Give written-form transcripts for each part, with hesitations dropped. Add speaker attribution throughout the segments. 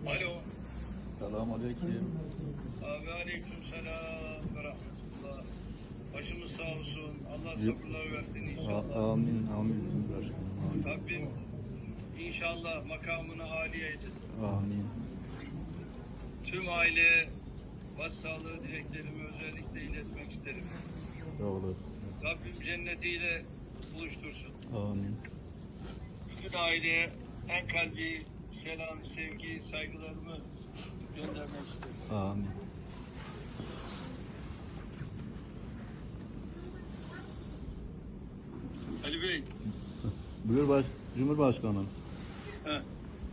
Speaker 1: Alo.
Speaker 2: Selamünaleyküm.
Speaker 1: Abi aleyküm selam ve rahmetullah. Başımız sağ olsun. Allah sabırlar versin inşallah.
Speaker 2: Amin, amin. Başkanım, amin.
Speaker 1: Rabbim inşallah makamını âli eylesin.
Speaker 2: Amin.
Speaker 1: Tüm aile başsağlığı dileklerimi özellikle iletmek isterim.
Speaker 2: Sağ olasın.
Speaker 1: Rabbim cennetiyle buluştursun.
Speaker 2: Amin.
Speaker 1: Bütün aileye en kalbi selam, sevgi, saygılarımı göndermek isterim.
Speaker 2: Amin.
Speaker 1: Ali Bey.
Speaker 2: Buyur Cumhurbaşkanım.
Speaker 1: Heh.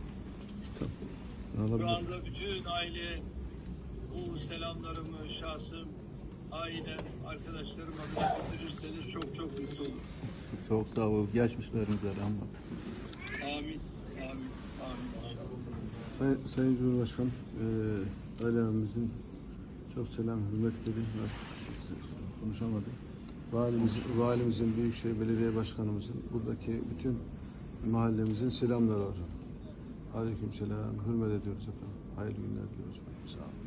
Speaker 1: Şu anda bütün aile bu selamlarımı şahsım, ailem, arkadaşlarım adına götürürseniz çok çok mutlu olurum.
Speaker 2: Çok sağ ol. Geçmişlerinize rahmet.
Speaker 1: Amin. Amin. Amin inşallah.
Speaker 3: Sayın Cumhurbaşkanım, ailemizin çok selam, hürmetleri var. Konuşamadım. Valimizin, Büyükşehir Belediye Başkanımızın, buradaki bütün mahallemizin selamları var. Aleyküm selam, hürmet ediyoruz efendim. Hayırlı günler diliyoruz. Sağ olun.